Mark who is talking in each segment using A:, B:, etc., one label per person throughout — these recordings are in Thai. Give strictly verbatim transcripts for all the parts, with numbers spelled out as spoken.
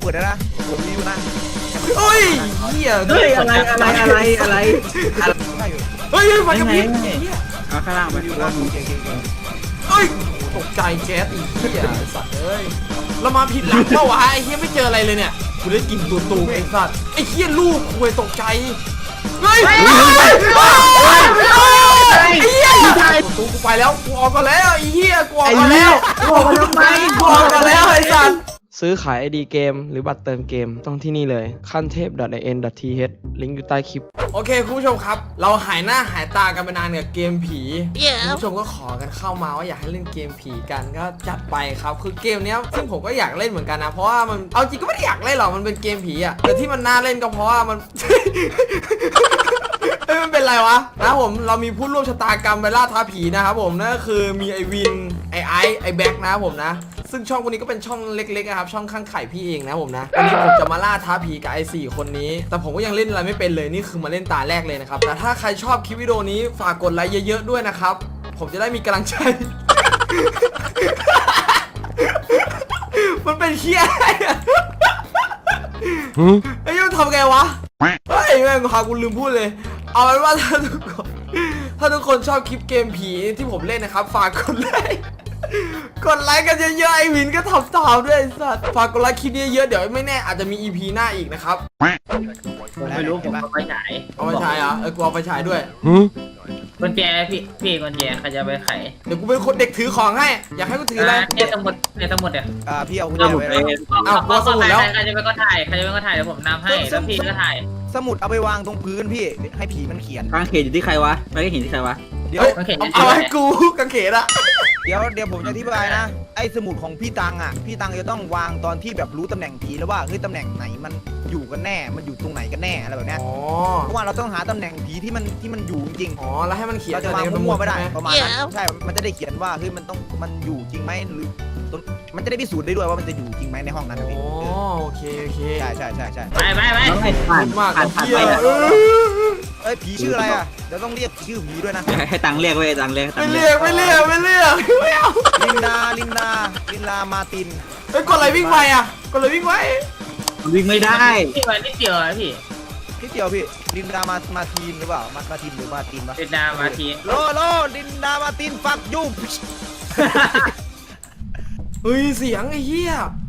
A: ปิดแล้วนะผมรีวิวนะ
B: เฮ้ยเหี้ย
C: เฮ้ยอะไรอะไรอะไรอะไร
A: ได้อยู่
B: เฮ้ยมันจะพิษ
C: เอาข้างล่างไป
A: รีวิวนะโอเคโอเคโอเค
B: เฮ้ยตกใจแก๊สอีกเหี้ยไอ้สัตว์เอ้ยเรามาผิดหลังเปล่าวะไอ้เหี้ยไม่เจออะไรเลยเนี่ยกูได้กินตัวตูไอ้สัตว์ไอ้เหี้ยลูกคุยตกใจเฮ้ยไอ้เหี้ยตัวตูกูไปแล้วกูออกก่อนแล้วไอ้เหี้ยกูออกก่อนแล้ว
C: กูออกมาทำไม
B: กูออกก่อนแล้วไอ้สัตว์
D: ซื้อขาย ไอ ดี เกมหรือบัตรเติมเกมต้องที่นี่เลยขั้นเทพ .in.th ลิงก์อยู่ใต้คลิป
B: โอเคคุณผู้ชมครับเราหายหน้าหายตากันไปนานกับเกมผีคุณผู้ชมก็ขอกันเข้ามาว่าอยากให้เล่นเกมผีกันก็จัดไปครับคือเกมเนี้ยซึ่งผมก็อยากเล่นเหมือนกันนะเพราะว่ามันเอาจริงก็ไม่ได้อยากเล่นหรอกมันเป็นเกมผีอะแต่ที่มันน่าเล่นก็เพราะว่ามัน เฮ้ยมันเป็นไรวะนะผมเรามีผู้ร่วมชะตากรรมไปล่าท้าผีนะครับผมนั่นก็คือมีไอวินไอไอไอแบ็กนะครับผมนะซึ่งช่องพวกนี้ก็เป็นช่องเล็กๆนะครับช่องข้างไข่พี่เองนะผมนะวันนี้ผมจะมาล่าท้าผีกับไอสี่คนนี้แต่ผมก็ยังเล่นอะไรไม่เป็นเลยนี่คือมาเล่นตาแรกเลยนะครับแต่ถ้าใครชอบคลิปวิดีโอนี้ฝากกดไลค์เยอะๆด้วยนะครับผมจะได้มีกำลังใจ มันเป็นเคี้ยอะไรอะไอ้ยังทำไงวะเฮ้ยแม่งหากูลืมพูดเลยเอาเป็นว่าถ้าทุกคนถ้าทุกคนชอบคลิปเกมผีที่ผมเล่นนะครับฝากกดไลค์กดไลค์กันเยอะๆไอ้วินก็ทำตามด้วยไอ้สัสฝากกดไลค์คลิปนี้เยอะเดี๋ยวไม่แน่อาจจะมี อี พี หน้าอีกนะครับ
C: ผมไม่รู้ผมเอาไปฉาย
B: เอาไปฉายเหรอเออกูเอาไปฉายด้วย
C: กุญแจพี่พี่กุญแจใครจะไปไข
B: เดี๋ยวกูเป็นคนเด็กถือของให้อยากให้กูถืออะไร
C: เนี่ยทั้งหมดเนี่ยทั้งหมดเนี่ย
A: อ่าพี่เอาคุณ
C: เดี๋ยว
A: เจ
C: ผม
A: ไว้
C: ไป
A: นะ
B: อ้าวกลัวสมุดแล้ว
C: ใครจะไปก็ถ่ายใครจะไปก็ถ่ายเดี๋ยวผมนำให้แล้วพี่ก็ถ่าย
A: สมุดเอาไปวางตรงพื้นพี่ให้ผีมันเขียน
E: กางเขนอยู่ที่ใครวะไม่ได้เห็นที่ใครวะ
A: เดี๋ยว
B: เฮ้ย
C: โอเค
B: เอาให้กูกางเขนอะ
A: เดี๋ยวเดี๋ยวผมจะอธิบายนะไอ้สมุดของพี่ตังอ่ะพี่ตังจะต้องวางตอนที่แบบรู้ตำแหน่งผีแล้วว่าเฮ้ยตำแหน่งไหนมันอยู่กันแน่มันอยู่ตรงไหนกันแน่อะไรแบบเนี้ย
B: อ๋อ
A: เพราะว่าเราต้องหาตำแหน่งผีที่มันที่มันอยู่จริง
B: อ๋อแล้วให้มัน
A: ๆ
B: เขียน
A: เราจะวาง
B: ในส
A: มั่วๆไม่ได้
B: ใช่ห
A: ประมาณนั้นใช่ มันจะได้เขียนว่าเฮ้ยมันต้องมันอยู่จริงไหมหรือต้นมันจะได้พิสูจน์ได้ด้วยว่ามันจะอยู่จริงไหมในห้องนั้นนะ
B: อ๋
A: พี่
B: อโอเคโอเค
A: ใช่ใช่ใช่ใช่
C: ไปไปไป
E: น้องให้ผ่าน
B: มาก
E: ผ่านผ่าน
B: เหี้
E: ไป
B: ย
E: อะ
B: เออ
A: เอ้ยผีชื่ออะไรอ่ะเดี๋ยวต้องเรียกชื่อผีด้วยนะ
E: ให้ตังค์เรียกไว้ตังค์เรียกให้ตั
B: ไม่
E: งค์
B: เรี
E: เรี
B: ย
E: ย
B: ก
E: ก
B: ไม่เรียกไม่เรียกไม่เอา
A: ลินดาลินดาลินดามาติน
B: เฮ้ยกดอะไรวิ่งไปอ่ะกดอะไรวิ่งไว้
E: วิ่งไม่ได้
C: พี่วันนิดเดียวพี่
A: พี่เดียวพี่ลินดามามาทีนหรือเปล่ามามาทีนหรือมาตินปะ
C: เป็นดามาที
A: โลโลลินดามาตินฟักยู
B: เฮ้ยเสียงไอ้เหี้ย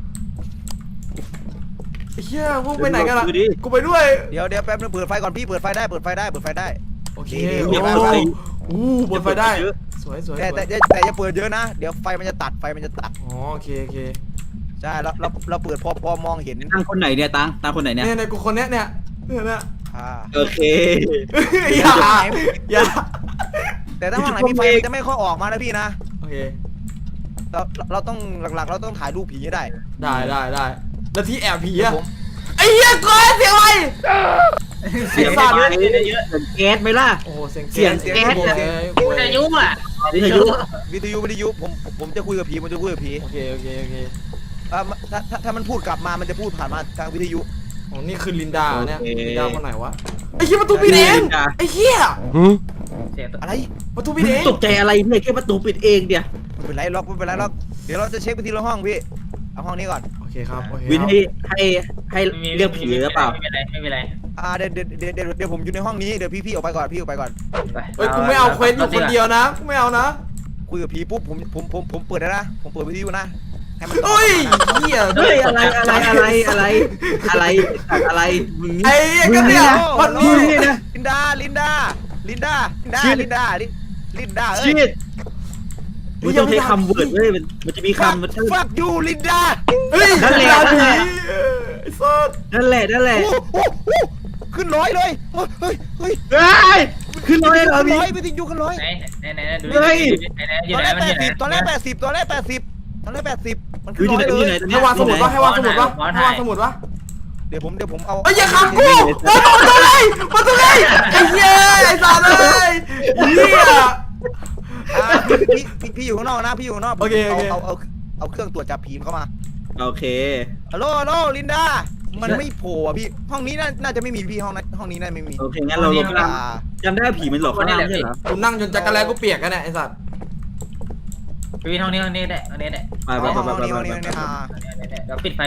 B: ไอ้เหี้ยพวกไปไหนกันล่ะกูไปด้วย
A: เดี๋ยวเดี๋ยวแป๊บนึงเปิดไฟก่อนพี่เปิดไฟได้เปิดไฟได้เปิดไฟได้
B: โอเค
A: เดี๋ยว
B: โอ้
A: เปิดไฟ
B: อู้บนไฟได้สวยสวย
A: แต่แต่แต่แต่อย่าเปิดเยอะนะเดี๋ยวไฟมันจะตัดไฟมันจะตัด
B: อ๋อโอเคโอเค
A: ใช่เราเราเราเปิดพอพอมองเห็น
E: ตังค์คนไหนเนี่ยตังค์ตังค์คนไหนเนี่ย
B: เนี่ยในกูคนเนี้ยเนี่ยเนี่ยเนี่ย
A: อ่า
E: โอเค
B: อย่าอย่า
A: แต่ถ้าห้องไหนมีไฟมันจะไม่ค่อยออกมานะพี่นะ
B: โอเค
A: เราเราต้องหลักๆ เราต้องถ่ายรูปผีให้ได้
B: ได้ได้ได้แล้วที่แอบผีอะ
A: ผม
B: ไอ้เหี้ยก้อนเสียงอะไร
E: เสียง
B: สั่น
E: เยอะเยอะแก๊สไหมล่ะ
B: โอ้โหเสียง
E: เสียงแก๊ส
B: โอเค
C: วิทยุอ่ะ
E: วิทยุ
A: วิทยุวิทยุผมผมจะคุยกับผีผมจะคุยกับผี
B: โอเคโอเคโอเค
A: อ่าถ้าถ้าถ้ามันพูดกลับมามันจะพูดผ่านมาทางวิทยุ
B: อ๋อนี่คือลินดาเนี่ยลินดาคนไหนวะไอ้เหี้ยประตูปิดเอง
E: ลินดา
B: ไอ้เหี้ย
C: เสียงตัว
A: อะไร
B: ประตูปิดเอง
E: ตกใจอะไรเนี่ยแค่ประตูปิดเองเดียว
A: ไม่เป็นไรล็อกไม่เป็นไรล็อกเดี๋ยวเราจะเช็คไปทีละห้องพี่เอาห้องนี้ก่อน
B: โอเคครับโอเค
E: วินให้ให้ให้เรียกผีหรือเปล่า
C: ไม่เป็นไรไม่เป็นไร
A: อ่าเดี๋ยวเดี๋ยวเดี๋ยวเดี๋ยวเดี๋ยวผมอยู่ในห้องนี้เดี๋ยวพี่พี่ออกไปก่อนพี่ออกไปก่อน
C: ไป
B: เฮ้ยกูไม่เอาเควสอยู่คนเดียวนะกูไม่เอานะ
A: คุยกับผีปุ๊บผมผมผมผมเปิดได้นะผมเปิดวิทยุนะให้มัน
B: เฮ้ยเหี้ย
E: เฮ้ยอะไรอะไรอะไรอะไรอะไรอะไรมึง
B: ไอ้เหี้ยก็เนี่ยมันมี
E: นี่นะ
A: ลินดาลินดาลินดาลินดา
E: ชิด
A: ลินดาลิลินดาเอ้
E: ชิ
A: ย
E: ดมันต้องใช้คำเวิร์ดเว้ยมันมันจะมีคำมัน
A: ฟักยูลินดา
B: เฮ้ย
E: นั่นแหละ
B: ลิดาผีไอ้สัส
E: นั่นแหละนั่นแหละ
A: โอ้โหโอ้โหขึ้นร้อยเลยเฮ้ยเฮ้ยเฮ้ย
E: เฮ้ยขึ้นร้อยเหรอ
A: ขึ้น
E: พี่
A: ร้อยวิทยุขึ้นร้อย
C: ไหนไหนไหนดู
E: เฮ้ย
C: ไหนไหนอยู่
A: ตอน
C: ไหน
A: แรก
C: มัน
A: แป
C: อยู่
A: ด
C: ไหน
A: สิบตอนแรกแปดสิบตอนแรกแปดสิบตอนแรกแปดสิบมันขึ้
E: อน ยู่
A: ร้
E: ที่
A: อย
E: ไหน
A: เล
E: อยู่ไหน
A: ย
B: ให้วางสมุดวะให้วางสมุดวะให้วางสมุดวะ
A: เดี๋ยวผมเดี๋ยวผมเอา
B: เอ้ยอย่าขังกูมาตรงเลยมาตรงเลยไอ้เหี้ยไอ้สัสเลยเหี้ย
A: อ่าพี่พี่พี่อยู่ข้างนอกนะพี่อยู่ข้างนอก
B: โอเคโอเค
A: เอาเอาเอาเครื่องตรวจจับผีเข้ามา
E: โอเค
A: ฮัลโหลฮัลโหลลินดามันไม่โผล่อ่ะพี่ห้องนี้น่าน่าจะไม่มีพี่ห้องนั้นห้องนี้น่าไม่มี
E: โอเคงั้นเราลงข้างล่าง
A: อ่า
E: จำได้ผีมันหลอกข้างล่างไม่ใช่เหรอ
B: กูนั่งจนจักรแลกูเปียกกันเนี่ยไอ้สัส
C: พี่ห้องนี้ห้องนี้ได้ห้องนี้ได้
E: ไปไป
A: ห้อง
E: ไปไป
A: นี้ห้องนี้
E: ไป
A: ห้องนี้อ่า
C: เดี๋ยวปิดไฟก่อน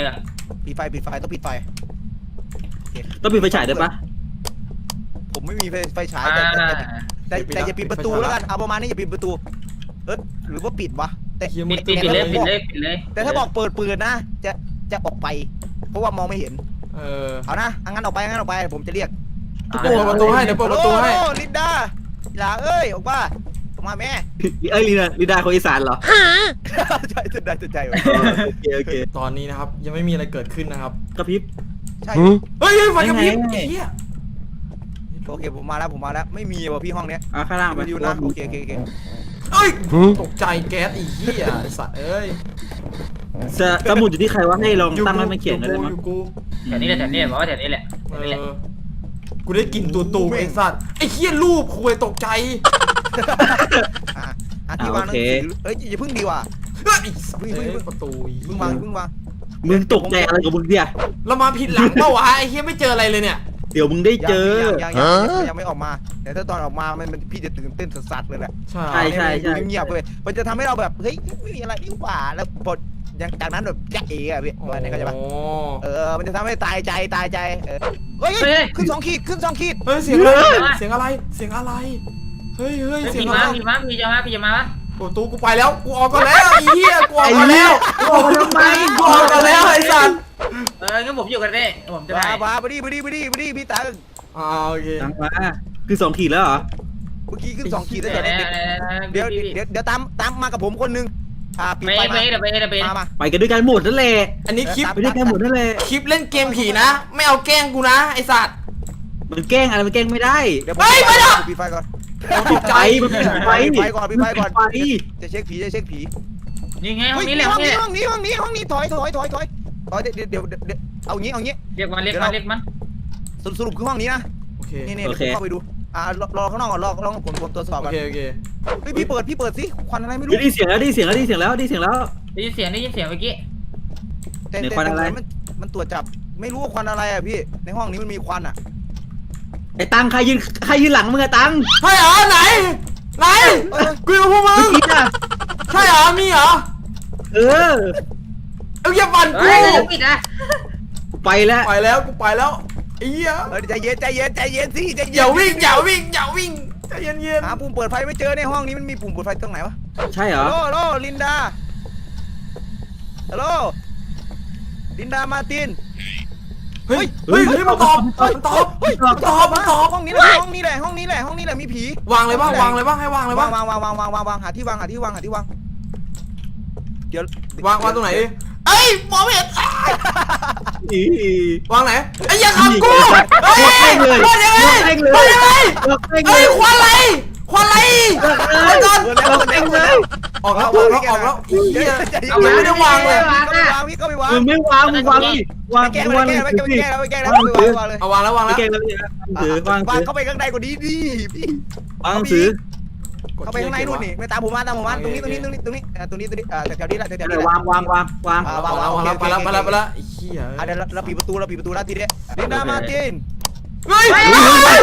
A: ปิดไฟปิดไฟต้องปิดไฟ
E: ต้องปิดไฟฉายด้วยปะ
A: ผมไม่มีไฟไฟฉาย
C: อ่า
A: แต่แต่แต่แต่อย่าปิดประตูแล้วกันเอาประมาณนี้อย่าปิดประตูเออหรือว่าปิดวะแต่
B: เฮีย
C: ปิ
B: มึ
C: ด
B: ง
C: ปิดปิดเลยปิดเลยปิดเลย
A: แต่ถ้าบอกเปิดปืนนะจะจะออกไป เพราะว่ามองไม่เห็น
B: เออ
A: เอานะอังั้นออกไปงั้นออกไปผมจะเรียก
B: เดี๋ยวเปิดประตูให้เดี๋ยวเปิดประตูให้
A: โอ้ลินดาลาเอ้ยออกมาออกมาแม่
E: เอ้ยลีนาลีดาคนอีสานเหรอ
A: ใช่ใจใจใจ
E: โอเคโอเค
B: ตอนนี้นะครับยังไม่มีอะไรเกิดขึ้นนะครับ
E: กระพริบ
A: ใช่
B: เฮ้ยเฮ้ยไฟกระพริบ
E: ยังไง
B: เฮีย
A: โอเคผมมาแล้วผมมาแล้วไม่มีว่ะพี่ห้องเนี้ย
E: อ่ะข้างล่างไป
A: ไปดูนะโอเคโอเคโอเค
B: เอ้ยตกใจแก๊สอีเหี้ยไอ้สัตว์เอ้ย
E: สสมุดอยู่ที่ใครวะให้ลองตั้งให้มันเขียนกัน
B: อ
E: เลย
B: กู
E: มั้
B: อง ยู่กู
C: แถวนี้แหละแถวนี้บอกว่าแถวนี้แหละแถ
B: เอ
C: วนี้แหละ
B: อกูได้กลิ่นตัวตูไอ้สัตว์ไอ้เหี้ยรูปคุยตกใจ
A: อ่ะอ่ะที่วางหนังสือเอ้ยอย่าเพิ่งดีว่ะ
B: เฮ้ยไอ้สัตว์เอ้ยประตู
A: เพิ่งวางเพิ่งวาง
E: มึงตกใจอะไรกับมึงเนี่ย
B: เรามาผิดหลังเปล่าวะไอ้เหี้ยไม่เจออะไรเลยเนี่ย
E: เดี๋ยวมึงได้เจอ
A: ยังยังยังยังไม่ออกมา แต่ถ้าตอนออกมามันมันพี่จะตื่นเต้นสัสๆเลยแหละ
B: ใช่
E: ใช่ใช่ใช่
A: เงียบๆเลยมันจะทำให้เราแบบเฮ้ยไม่มีอะไรนี่หว่าแล้วพอยังจากนั้นแบบแจ๊ะเอ๋อะพี่วันนี้เข้าใจปะ
B: โอ้
A: เออมันจะทำให้ตายใจตายใจเออเฮ้ยขึ้นสองขีดขึ้นสองขีด
B: เฮ้ยเสียงอะไรเสียงอะไรเสียงอะไรเฮ้ยเฮ้ย
C: เฮ้ย
B: เสีย
C: พี่
B: งอะ
C: มา
B: ไร
C: พี่มาพี่จะมาพี่จะมาปะ
B: ประตูกูไปแล้วกูออกก่อนแล้วไอ้เหี้ยกูออกก่อนแล้ว
E: ไอ้เหี้ยออกมาทำไม
B: กูออกก่อนแล้วไอ้สัตว์
C: เอองั้นผมอยู่กันได้ผมจะไป
A: มามาไปดิไปดิไปดิไปดิพี่ตัง
B: อ่าโอเค
E: ตั้งมาคือสองขีดแล้วเหรอ
A: เมื่อกี้ขึ้นสองขีดแล้ว
C: เดี๋ยว
A: เดี๋ยว
C: เดี๋ยว
A: เดี๋ยวเดี๋ยวเดี๋ยวตามตามมากับผมคนนึงอ่าปิด
C: ไม่
A: ไฟ
C: ไม่
A: มา
C: เดี๋ยวไปเดี๋ยวไป
A: มามา
E: ไปกันด้วยกันหมดนั่นแหละ
B: อันนี้คลิป
E: ไปด้วยกันหมดนั่นแหละ
B: คลิปเล่นเกมผีนะ ไม่เอาแกล้งกูนะไอสัตว์
E: มันแกล้งอะไรมันแกล้งไม่ได้
A: เดี๋ยว
B: เฮ้ยไม่ได้
A: ปิดไฟก่อน
E: ปิดไฟมันปิดไฟ
A: ปิดไฟก่อนปิดไฟก่อน
E: ไฟ
A: จะเช็คผีจะเช็คผี
C: นี่ไงห้อง
A: เฮ้ย
C: นี้แหละ
A: ห้
C: ห้
A: อ
C: อง งนี้
A: นี้
C: แหละ
A: ห้องนี้ห้องนี้ห้องนี้ถอยถอยถอยถอยถอยเดี๋ยวเดี๋ยวเดี๋ยวเดี๋ยวเอางี้เอางี้
C: เรียกมันเรียกมันเรียกมัน
A: สรุปสรุปคือห้องนี้นะ
B: โอเค
A: นี่นี่เดี๋ยวผมเข้าไปดูอ่ารอรอข้างนอกก่อนรอรอผมผมตรวจสอบ
B: โอ
A: ก่อน
B: เคโอเค
A: เฮ้ยพี่เปิดพี่เปิดสิควันอะไรไม่รู้
E: ได้ยินเสียงแล้วได้ยินเสียงแล้วได้ยินเสียงแล้วได้ยินเสียงแล้ว
C: ได้ยินเสียงได้ยินเสียงเมื่อกี้
A: แต่
E: ไหน
A: แต่
E: ควันอะไร
A: แต่มันมันตรวจจับไม่รู้ว่าควันอะไรอ่ะพี่ในห้องนี้มันมีควันอ่ะ
E: ไอ้ตังใครยืนใครยืนหลังมึงอะตัง
B: ใช่เหรอไหนไหนกูอยู่พวกมึ
E: เมื่อง กี้อะ
B: ใช่เหรอมีเหรอ
E: เออ
B: เอาอย่าปั่นกู
C: เฮ้ยจะปิดนะ
E: ไปแล้ว
B: ไปแล้วกูไปแล้วไอ้เหี้ย
A: เออใจเย็นใจเย็นใจเย็นสิใจเย็น
B: อย่าวิ่งอย่าวิ่งอย่าวิ่งใจเย็นเย็น
A: หาปุ่มเปิดไฟไม่เจอในห้องนี้มันมีปุ่มเปิดไฟตรงไหนวะ
E: ใช่เหรอ
A: ฮัลโหลฮัลโหลลินดาฮัลโหลลินดามาติน
B: เฮ้ยเฮ้ยเฮ้ยมันตอบมันตอบ
A: เฮ้ย
B: มันตอบมันตอบ
A: ห้องนี้แหละห้องนี้แหละห้องนี้แหละห้องนี้แหละมีผี
B: วางเลยบ้างวางเลยบ้างให้วางเลยบ้าง
A: วางวางวางวางวางวางหาที่วางหาที่วางหาที่วางเดี๋ยว
B: วางวางตรงไหนดิเอ้ยมองไม่เห็นอ้าย
E: อี
B: วางไหนไอ้ยอย่าขับกูเฮ้ย
E: เล่งเลย
B: รอดยังไง
E: เล่งเล
B: รอด
E: ย
B: ยังไง
E: เล่งเล
B: เฮ้ย
E: ย
B: ควันอะไรควันอะไรออกก่อน
A: เล่นแล้วเล่นแล้ว
B: ออกแล้วออกแล้วออกแล้วอีเหี้ยเอาไม่ได้วางเลย
A: ก็ไม่วางพี่ก็ไม่วาง
E: มึงไม่วางมึงวางดิวาง
A: แก้ไม่
E: วาง
A: แก้
E: เลย
A: ไม่
E: สิ
A: แก้ไม่แก้แล้วไม่แก้แล้วไม่วางวางเลย
B: เอาวางแล้ววาง
E: ไม่
B: แล้ว
E: เก่งแล้วเนี่ยถือวาง
A: วาง
E: ถือ
A: เข้าไปข้างในกว่านี้ดิพี่
E: วางถือ
A: เข้าไปข้างในนู่นนี่ไม่ตามผมมาตามผมมาตรงนี้ตรงนี้ตรงนี้ตรงนี้ตรงนี้ตรงนี้แถวนี้แหละแถว
E: เดี๋
A: นี้
E: ยว
A: แหละ
E: วางวางวางวาง
A: อ่า
B: วางแล้ววางแล้วไปแล้วไปแล้วไปแล้วไอ้เหี้ย
A: อ่ะเดี๋ยวเราปิดประตูเราปิดประตูแล้วทีเดียวลินดามาติน
B: เฮ้ยไอ้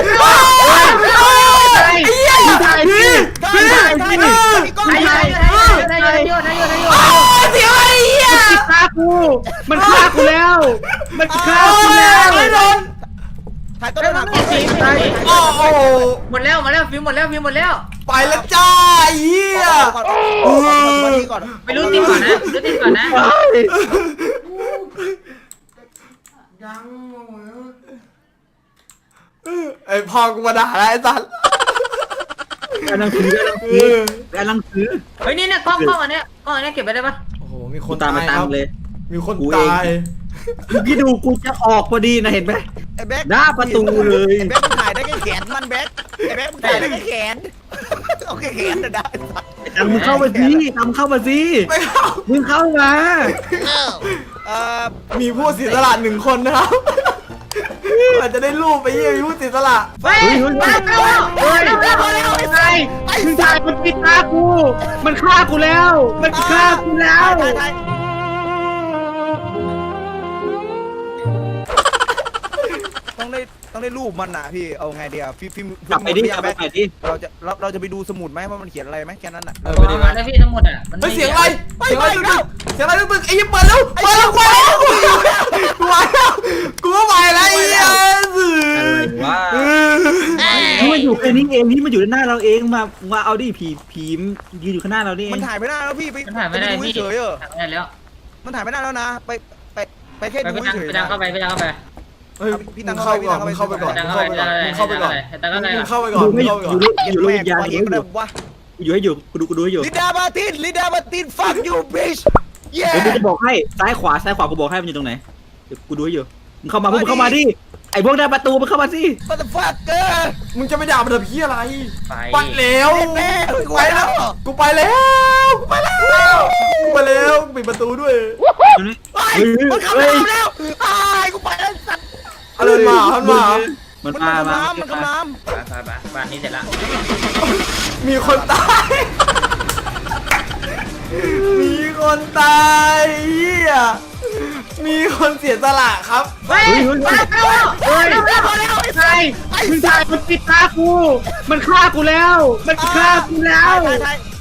B: เหี้ยพี่
A: ได้ได้ได้ได้มีกล้อง
C: นาย
A: ถ่าย
C: อยู่นายอยู่นายอยู่นายอยู่นายอยู่
B: เสียไอ้เหี้ย
E: มันฆ่ากู มันฆ่ากูแล้ว มันฆ่ากูแล้ว
B: ไม่โดน
A: ถ่ายต้นหนัก
B: โอ้โห
C: หมดแล้วหมดแล้วฟิวหมดแล้วฟิวหมดแล้ว
B: ไปแล้วจ้าไอ้เหี้ย
A: ก่อนก่อน
C: ไปรู้ติดก่อนนะรู้ติดก่อนนะ
B: ยังไอพ่อกูมาด่าแล้วไอ้สัส
E: กำลังถือกำลังถือกำลังถือ
C: เฮ้ยนี่เนี่ยกล้องกล้องอันเนี้ยกล้องอันเนี้ยเก็บไปได้ปะ
B: โอ้โหมีค
E: กู
B: น
E: ตาม
B: ตา
E: มาย ตา
B: ค
E: ม
B: รับ
E: เลย
B: มีคน
E: กูเอง
B: ตาย
E: พี่ดูกูจะออกพอดีนะเห็นไหม
A: ไอ้แบ๊ก
E: หน้าประตูเลย
A: ไอ้แบ๊กมันถ่ายได้แค่แขนมันแบ๊กไอ้แบ๊กมันถ่ายได้แค่แขนโอเคแขนจะได้
E: ตังมึงเข้ามาสิตังเข้ามาสิ
B: ไม่เข้า
E: มึงเข้ามา
A: เอ่อ
B: มีผู้เสียสละหนึ่งคนนะครับอาจจะได้รูปไปเยี่ยมมีผู้เสียสละ
C: เฮ้ยมาแล้ว
E: เฮ้ยไอ้ไงมึงถ่ายมันปิดตากู มันฆ่ากูแล้ว มันฆ่ากูแล้ว
A: ถ่ายถ่ายต้องได้ต้องได้รูปมันน่ะพี่เอาไงเดียวฟิล์มฟิล์ม
E: กลับไปดิกลับไปดิ
A: เราจะเราเราจะไปดูสมุดไหมว่ามันเขียนอะไรไหมแค่นั้นน่ะ
B: เออไปดีไหม
C: แล้วพี่ทั้งหมดอ่ะมัน
B: เฮ้ยเสียงอะไรเสียงอะไรตึกๆเสียงอะไรตึกๆไอ้ยี่เปิดแล้วเปิดแล้วเปิดแล้วกูไปแล้วกูก็ไปแล้วไอ้เหี้ย
E: อะไรวะนี่มันอยู่แค่นี้เองนี่มันอยู่ด้านหน้าเราเองมามาเอาดิผีผียืนอยู่ข้างหน้าเรานี่เอ
A: มัน
E: ง
A: ถ่ายไม่ได้แล้วพี่ไป
C: มันถ่ายไม่ได้
A: ป
C: พี่
A: เฉยๆเออ
C: ถ่ายไม่ได้แล้ว
A: มันถ่ายไม่ได้แล้วนะ ไปไปไปแค่
C: ไป
A: ดู
C: พี่ตัง
A: เฉย
C: ไป
A: ๆ
C: ตัง
A: นะ
C: เข้าไปไปตังเข้าไป
B: เฮ้ย
A: พี่
B: มึ
A: ตัง
B: ง
A: เข้า
B: เข้า
A: ไป
B: ก่อน
A: พี่
B: มึ
A: ตั
B: ง
A: ง
B: เข้า
A: เข้า
B: ไป
A: ไป
B: ก่อนมึงเข้าไปก่อน
C: ตังเข้าไปตังเข้าไป
B: มึงเข้าไปก่อนมึงเข้าไปก่อน
E: อยู่ด้วยอยู่ด้วยวิญญาณ
A: เย็นแม่วะ
E: อยู่ให้อยู่กูดูกูดูให้อยู่
A: ลิดามาตินลิดามาติน fuck you bitch
E: เดี๋ยวกูจะบอกให้ซ้ายขวาซ้ายขวากูบอกให้มันอยู่ตรงไหนเดี๋ยวกูดูให้อยู่มึงเข้ามาพวกมึงเข้ามาดิไอ้พวกหน้าประตูมึงเข้ามาสิ
A: motherfucker
B: มึงจะไปด่ามันทำเพี้ยอะไร
C: ไป
B: ไปแล้ว
A: แม่กู
B: ไป
A: ไป
B: แล้
A: แล้ว ว
B: กูไปแล้วกูไปแล้วกูไปแล้วปิดประตูด้วย
A: ไอ้มันเข้ามาแล้วไอ้กูไปแล้วสัตว์
B: อะไรมาอะไรมา
E: มัน
A: มัน
E: มา
A: กำ
E: มา
A: น้ำมันกำน้
C: ไปไปไปบ้านนี้เสร็จละ
B: มีคนตาย มีคนตายเฮียมีคนเสียสละครับ
E: เฮ้ยเฮ้ยเฮ้ยเฮ้ยใช่มึงถ่ายมันปิดตากูมันฆ่ากูแล้วมันฆ่ากูแล้ว
A: ำถ่ายถ่าย